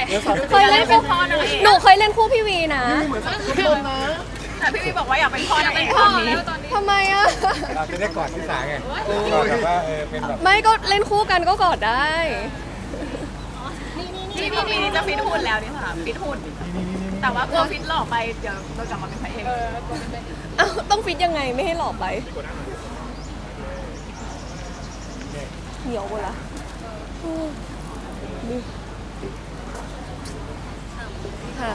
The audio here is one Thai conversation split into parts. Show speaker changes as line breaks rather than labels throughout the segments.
เคยเล่นคู่พ่อนางเอกหนูเคยเล่นคู่พี่วีนะ
เหมือนทุกคนนะ
แต่พี่วีบอกว่าอยากเป็นพ่อนางเอกตอนนี้
ทำไมอะ
เราจะได้กอดที่สาไงกอดแบบว่าเป็นแบบ
ไม่ก็เล่นคู่กันก็กอดได้
ที่พอปีนี้จะฟิตหุ่นแล้วนี่ค่ะฟิตหุ่นแต่ว่ากลัวฟิตหล่อไปเดี๋ยวเรากลับมาเป็นพระเอก
เอ้าต้องฟิตยังไงไม่ให้หลอกไปเหนียวหมดละนี่ค่ะ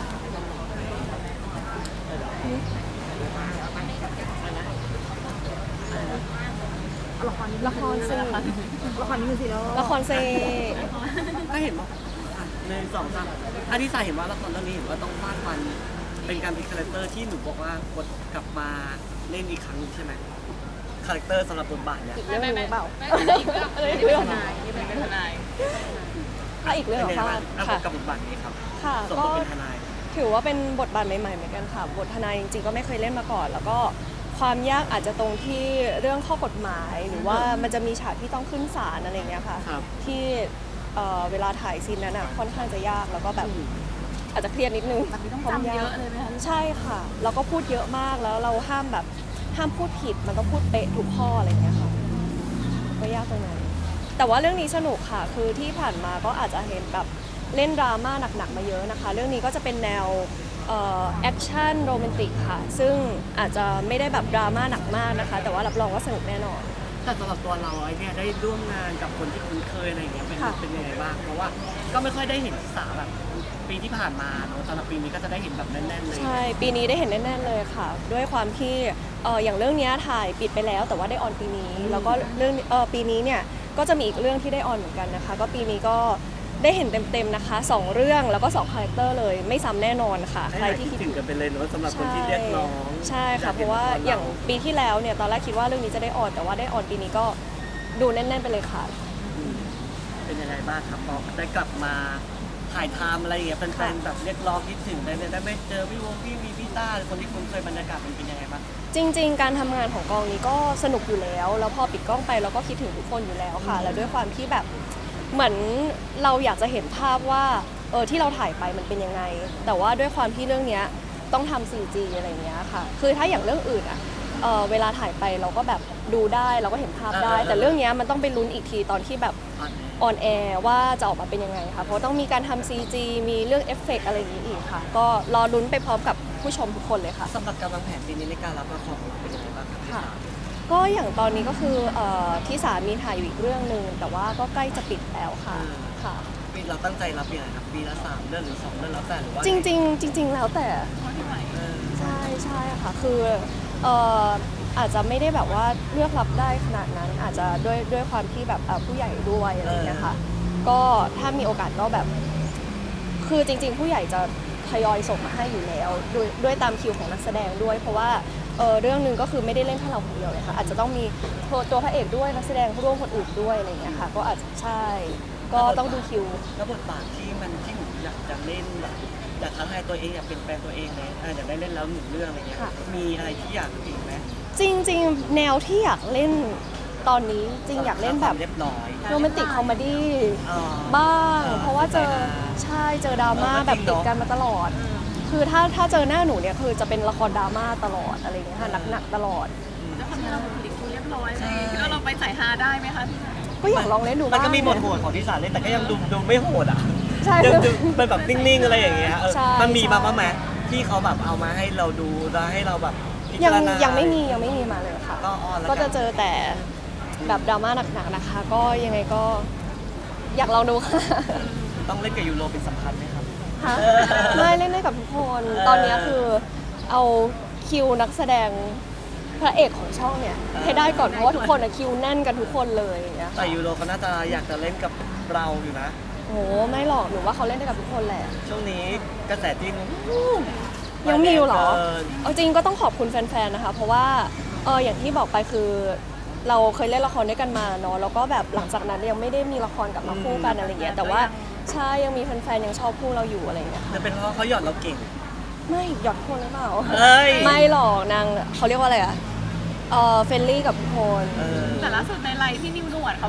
ละครเซละครเซ
ก็เห็นว่าใน2-3ที่สายเห็นว่าละครเรื่องนี้เห็นว่าต้องฟาดฟันเป็นการเป็นคาแรคเตอร์ที่หนูบอกว่ากดกลับมาเล่นอีกครั้งใช่ไหมคาแรคเตอร์สำหรับบทบาทเนี่ย
อีกเรื่องหนึงหรือเปล่า
นี่เป็นทนายนี่เป็นทนาย
ถ้าอีกเรื่อง
เป็น
เหร
ยั
อง
ไง
คะ
บ้างกั
ค่ะ
กับบทบาทนี้ครับ
ค่ะ
ส่วน
ก็
ตัวเป็นทนาย
ถือว่าเป็นบทบาทใหม่ๆเหมือนกันค่ะบททนายจริงๆก็ไม่เคยเล่นมาก่อน แล้วก็ความยากอาจจะตรงที่เรื่องข้อกฎหมาย หรือว่ามันจะมีฉากที่ต้องขึ้นศาลอะไรอย่างเงี้ยค่ะ
ครับ
ที่เวลาถ่ายซีนนั้นอ่ะค่อนข้างจะยากแล้วก็แบบอาจจะเครียดนิดนึง
ต้องจำเยอะเลยไหมคะ
ใช่ค่ะแล้วก็พูดเยอะมากแล้วเราห้ามพูดผิดมันต้องพูดเป๊ะทุกข้ออะไรอย่างเงี้ยค่ะก็ยากตรงนั้นแต่ว่าเรื่องนี้สนุกค่ะคือที่ผ่านมาก็อาจจะเห็นแบบเล่นดราม่าหนักๆมาเยอะนะคะ เรื่องนี้ก็จะเป็นแนวแอคชั่นโรแมนติกค่ะซึ่งอาจจะไม่ได้แบบดราม่าหนักมากนะคะ แต่ว่ารับรองว่าสนุกแน่นอน
แต่สำหรับตัวเราไอ้เนี่ยได้ร่วมงานกับคนที่คุ้นเคยอะไรอย่างเงี้ยเป็น
ค่ะ
เป็นยังไงบ้างเพราะว่าก็ไม่ค่อยได้เห็นสาวแบบปีที่ผ่านมาเนอะสำหรับปีนี้ก็จะได้เห็นแบบแน่นๆเลย
ใช่ปีนี้ได้เห็นแน่ๆเลยค่ะ ด้วยความที่อย่างเรื่องเนี้ยถ่ายปิดไปแล้ว แต่ว่าได้ออนปีนี้ แล้วก็เรื่องปีนี้เนี่ยก็จะมีอีกเรื่องที่ได้ออนเหมือนกันนะคะ ก็ปีนี้ก็ได้เห็นเต็มๆนะคะ2เรื่องแล้วก็2คาแรคเตอร์เลยไม่ซ้ำแน่นอนค่ะใครที่คิด
ถึงกันไปเลยเนอะสำหรับคนที่เรียกร้อง
ใช่ค่ะเพราะว่าอย่างปีที่แล้วเนี่ยตอนแรกคิดว่าเรื่องนี้จะได้ออนแต่ว่าได้ออนปีนี้ก็ดูแน่นๆไปเลยค่ะ
เป็นยังไงบ้างครับพอได้กลับมาถ่ายทำอะไรอย่างเงี้ยแฟนๆแบบเรียกร้องคิดถึงได้ไม่เจอพี่วงพี่วีพี่ต้าคนที่คุ้นเคยบรรยากาศมันเป็นยังไงบ้าง
จริงๆ การทำงานของกองนี้ก็สนุกอยู่แล้ว แล้วพอปิดกล้องไปเราก็คิดถึงทุกคนอยู่แล้วค่ะ แล้วด้วยความที่แบบเหมือนเราอยากจะเห็นภาพว่าที่เราถ่ายไปมันเป็นยังไง แต่ว่าด้วยความที่เรื่องเนี้ยต้องทำ 4G อะไรอย่างเงี้ยค่ะ คือถ้าอย่างเรื่องอื่นอะเวลาถ่ายไปเราก็แบบดูได้เราก็เห็นภาพได้ แต่เรื่องเนี้ยมันต้องไปลุ้นอีกทีตอนที่แบบออนแอร์ว่าจะออกมาเป็นยังไงค่ะ เพราะต้องมีการทำ CG มีเรื่องเอฟเฟกต์อะไรอย่างนี้อีกค่ะ ก็รอลุ้นไปพร้อมกับผู้ชมทุกคนเลยค่ะ
สำหรับการวางแผนปีนี้ในการรับละครเป็นยังไงบ้างครับ
ค่ะ ก็อย่างตอนนี้ก็คือที่สามีถ่ายอยู่อีกเรื่องหนึ่งแต่ว่าก็ใกล้จะปิดแล้วค่ะค่ะ
ปีเราตั้งใจรับยังไงครับปีละ3เรื่องหรือ2เรื่องแล้วแต่หรือว่า
จริงๆแล้วแต่
เออ
ใช่ค่ะคืออาจจะไม่ได้แบบว่าเลือกรับได้ขนาดนั้น อาจจะด้วยความที่แบบผู้ใหญ่ด้วยอะไรอย่างเงี้ยค่ะก็ถ้ามีโอกาสก็แบบ คือจริงๆ ผู้ใหญ่จะทยอยส่งมาให้อยู่แล้วด้วยตามคิวของนักแสดงด้วย เพราะว่าเรื่องหนึ่งก็คือไม่ได้เล่นแค่เราคนเดียวเลยค่ะอาจจะต้องมีตัวพระเอกด้วยนักแสดงร่วมคนอื่นด้วยอะไรอย่างเงี้ยค่ะก็อาจจะใช่ก็ต้องดูคิว
แล้วบทบาทที่หนูอยากจะเล่นแบบอยากท้าทายตัวเองอยากเป็นแฟนตัวเองเลยอยากได้เล่นแล้ว1เรื่องอะไรเงี้ย
ค่ะ
มีอะไรที่อยากอีกไหม
จริงๆ แนวที่อยากเล่นตอนนี้จริงอยากเล่นแบบ
เรียบร้อย
โรแมนติกคอมเมดี้
อ๋อ
บ้าง เพราะว่าเจอดราม่าแบบติดกันมาตลอด คือถ้าเจอหน้าหนูเนี่ยคือจะเป็นละครดราม่าตลอดอะไรอย่างเงี้ยค่ะหนักๆตลอด
แล้วคนที่เราบุคลิกดูเรียบร้อยเลยแล้วเราไปใส่ฮาได้ไหมคะ
ก็อยากลองเล่นดู
มัน
บ้าง
ก็มีบทโหดของที่สารเล่นแต่ก็ยังดูไม่โหดอ่ะ
ใช่
ยังดูเป็นแบบนิ่งๆอะไรอย่างเงี้ย
ใช่
มันมีมา
ใช่
บ้างไหมที่เขาแบบเอามาให้เราดูแล้วให้เราแบบพิ
ยั
จารณา
ยังไม่มีมาเลยค่ะ
ก็ออนแล้ว
ก็จะเจอแต่แบบดราม่าหนักๆนะคะ ก็ยังไงก็อยากลองดูค่ะ
ต้องเล่นกับยูโรเป็นสำคัญไหมครับ
ฮะไม่เล่นได้กับทุกคน ตอนนี้คือเอาคิวนักแสดงพระเอกของช่องเนี่ยให้ได้ก่อนเพราะว่าทุกคนอะคิวแน่นกันทุกคนเลยอย่างเงี้ย
แต่ยูโรเขาน่าจะอยากจะเล่นกับเราอยู่นะ
โหไม่หรอกหนูว่าเขาเล่นได้กับทุกคนแหละ
ช่วงนี้กระแสจิ้น
ยังมีอยู่เหรอ
เ
เอาจริงก็ต้องขอบคุณแฟนๆนะคะ เพราะว่าอย่างที่บอกไปคือ เราเคยเล่นละครด้วยกันมาเนาะแล้วก็แบบหลังจากนั้นยังไม่ได้มีละครกลับมาคู่กันอะไรเงี้ยแต่ว่าใช่ยังมีแฟนๆยังชอบคู่เราอยู่อะไรเงี้ยค่ะ
จะเป็นเพราะเขาหยอดเราเก่ง
ไม่หยอดทุกคนหรือเปล่า
เอ้ย
ไม่หรอกนางเขาเรียกว่าอะไรอะเฟรนลี่กับทุกคน
เออ
แต่ล่าสุดในไลน์ที่นิวหนวดเขาพูด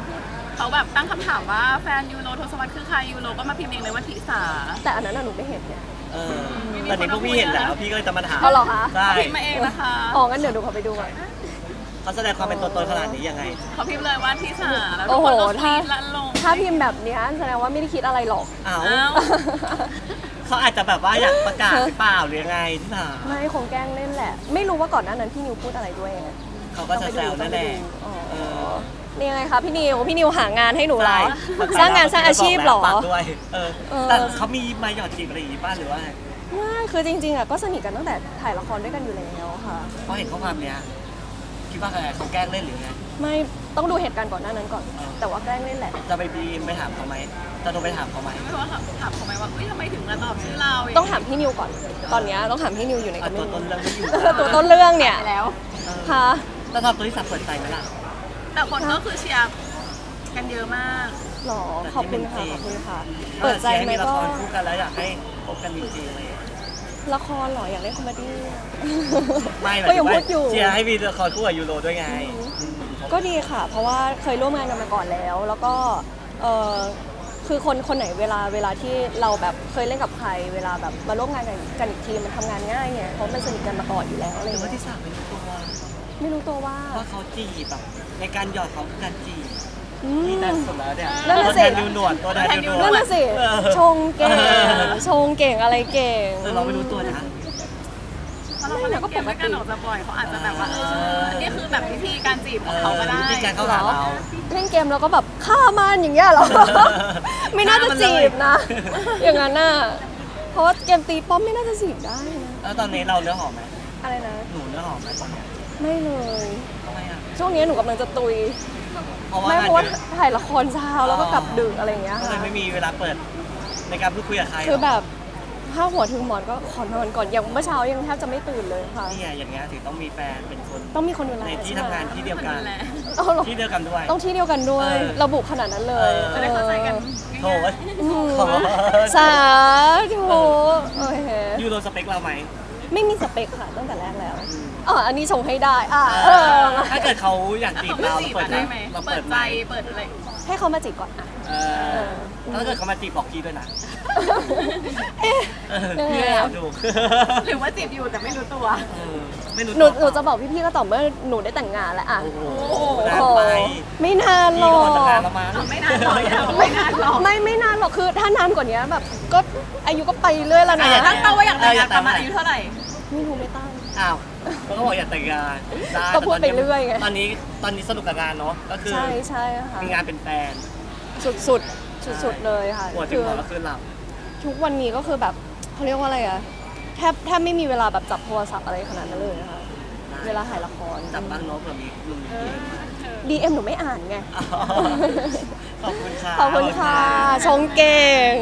เขาแบบตั้งคำถามว่าแฟนยูโรทศวรรษคือใครยูโรก็มาพิมพ์เองเลยว่าทิสา
แต่อันนั้นน่ะหนูไม่เห็นเนี่ย
เออตอนนี้พวกพี่เห็นแล้วพี่ก็เลยจะมาถาม
เอาเหรอคะ
ใช่
เขาพิมพ์มาเองนะคะ
อ๋องั้นเดี๋ยวดูเขาไปดูก่อน
เขาแสดงความเป็นตัวตนขนาดนี้ยังไง
เขาพิมพ์เลยว่าทิสาแล้วทุ
โอ้
ก
โห
คนก็
ถ้า
คิดและลง
ถ้าพิมพ์แบบเนี้ยแสดงว่าไม่ได้คิดอะไรหรอก
อ้าว
อ้าว
เขาอาจจะแบบว่าอยากประกาศหรือเปล่าหรือยังไงที่ถาม
ไม่คงแกล้งเล่นแหละ ไม่รู้ว่าก่อนหน้านั้นพี่นิวพูดอะไรด้วยไง
เขาก็จะแซวนั่นแหละ
อ๋อ
เออ
นี่ยังไงคะพี่นิวหางานให้หนูเหรอ
ใช่
สร้างงานสร้างอาชีพเหรอ
ปักด้วยเออ
เออ
แต่เขามีมาหยอดจีบอะไรอย่างงี้ป้าหรือว่า
ไม่คือจริงๆอ่ะก็สนิทกันตั้งแต่ถ่ายละครด้วยกันอยู่แล้วค่ะ
เพราะเห็นข้อความเนี้ยคิดว่าอะไรเขาแกล้งเล่นหรือไง
ไม่ต้องดูเหตุการณ์ก่อนหน้านั้นก่อน แต่ว่าแกล้งเล่นแหละ
จะไปบีมไปถามเขาไหมจะโทรไปถามเขาไหม
ไม่รู้ว่าถามเขาไหมว่าเอ้ยทำไมถึงมาตอบชื่อเรา
ต้องถามพี่นิวก่อน ตอนเนี้ยต้องถามพี่นิวอยู่ใน
อ่ะ
กระ
ตัว
เป๋า
ต้นเรื่องไม่อยู่
ตัวต้นเรื่องเนี่ย
ไปแล้ว
ค่ะ
แล้วทำตัวที่สับเปิดใจไหมล่ะ
แต่คนก็คือเชียร์กันเยอะมาก
หรอขอบคุณค่ะขอบคุณค่ะ
เปิ
เปิ
ด
ด
ใจ
ใจ
ให้
ไหม
มีละ
ก็
ครคู่กันแล้วอยากให้พบกันจริงๆเลย
ละครเหรออยากเล่นคอมเมดี้อะ
ไม่หมาย
ก็
ถึ
ยัง
งว่า
พูดอยู่
เชียร์ให้มีละครคู่กับยูโรด้วยไง
ก็ดีค่ะ เพราะว่าเคยร่วมงานกันมาก่อนแล้ว แล้วก็เออคือคนไหนเวลาที่เราแบบเคยเล่นกับใคร เวลาแบบมาร่วมงานกันอีกทีมันทำงานง่ายไงเพราะมันสนิทกันมาก่อนอยู่แล้วอะไร
หรือว่า
เงี้ย
ที่สามเป็นตัว
ไม่รู้ตัวว่า
ว่าเขาจีบแบบในการหยอดเขาคือการจีบ
อืม
ที่นั่นสุดแล้วเนี่ย
นั่น
ตั
น่ะ
ว
สิ
แทนยูหนวดตัวแทนยูหนวด
นั่นน่ะสิ
เออ
ชงเก่งชงเก่งอะไรเก่ง
เราไม่รู้ตัวนะ
เพราะเรามาเล่นเกมด้วยกันออกจะบ่อยเขาอาจจะแบบว่านี่คือแบบวิธีการจีบของเขาก็ได้
วิธีการเข้าหาเรา
เล่นเกมแล้วก็แบบฆ่ามันอย่างเงี้ยเหรอ ไม่น่าจะจีบนะ อย่างนั้นน่ะเพราะว่าเกมตีป้อมไม่น่าจะจีบได้นะ
แล้วตอนนี้เราเนื้อหอมไหม
อะไรนะ
หนูเนื้อหอมไหมตอนเนี้ย
ไม่เลย
ทำไมอ่ะ
ช่วงนี้หนูกำลังจะตุย
เพราะว่า
ไม่
งาน
เพราะว่า
เยอะ
ถ่ายละครเช้าแล้วก็กลับดึกอะไรอย่างเงี้ย
ก็เล
ค่ะ
ยไม่มีเวลาเปิดในการพูดคุยกับใคร
คือแบบถ้าหัวถึงหมอนก็ขอนอนก่อนอย่างเมื่อเช้ายังแทบจะไม่ตื่นเลยค่ะ
นี่ไงอย่างเงี้ยถึงต้องมีแฟนเป็นคน
ต้องมีคนดูแล
ในที่
ใช่
ทำ
ไหม
งานที่เดียวกัน
เอาหรอ
ที่เดียวกันด้วย
ต้องที่เดียวกันด้วย
เออ
ระบุขนาดนั้นเลย
จะได้เข้าใจกัน
โถเว้ย
อืม
โถ
สาธุโอเค
ยูโรสเปคเราไหม
ไม่มีสเปคค่ะตั้งแต่แรกแล้ว
อืม
อันนี้ชงให้ได้มา
ถ้าเกิดเขาอยากจีบ
เขาไม่
เรา
จีบ
เปิด
ได้ไหม
เรา
เปิ
เปิ
ด
ด
ใจ
ใจ
เปิดอะไร
ให้เขามาจีบก่อนอ่ะ
ถ้าเกิดเขามาจีบบอกพี่ด้วยนะ
เอ๊ะ
พี่ไม่อยากดู
หรือว่าจีบอยู่แต่ไม่รู้ตัว
ไม่รู้
หนู
ตัว
จะบอกพี่ๆก็ต่อเมื่อหนูได้แต่งงานแล้วอ่ะ
โอ้โห
โอ้โห
นานไป
ไม่นานหร
พี่
อ
ก็ออกจากงาน
ก
แล้วมั้ง
ไม่นานหรอกไม่นานหรอก
ไม่นานหรอกคือถ้านานกว่านี้แบบก็อายุก็ไปเรื่อยแล้วนะ
ตั้งเป้าว่าอยากแต่งงานประมาณอายุเท่าไหร่
ไม่รู้ไม่ตั้ง
อ้าวเขาก็บอกอยากแต่งงานได้
ก็พูดไปเรื่อยไง
ตอนนี้สนุกกับงานเนาะก็คือ
ใช่ค่ะ
มีงานเป็นแฟน
สุดเลยค่ะ
หัวถึ
คื
ง
อ
หัวก็คือหลับ
ทุกวันนี้ก็คือแบบเขาเรียกว่าอะไรอะแทบไม่มีเวลาแบบจับโทรศัพท์อะไรขนาดนั้นเลยนะคะเวลาถ่ายละคร
จับบ้างเนาะเผื่อมีลุงมีเพื่อนมา
DM หนูไม่อ่านไง
อ๋อขอบคุณค่ะ
ขอบคุณค่ะ ชงเก่ง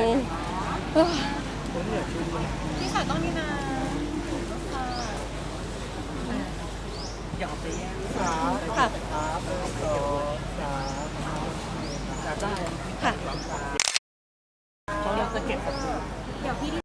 ที่สายต้องนี่นา
อย่าเอาไปแย่ง
ค่ะ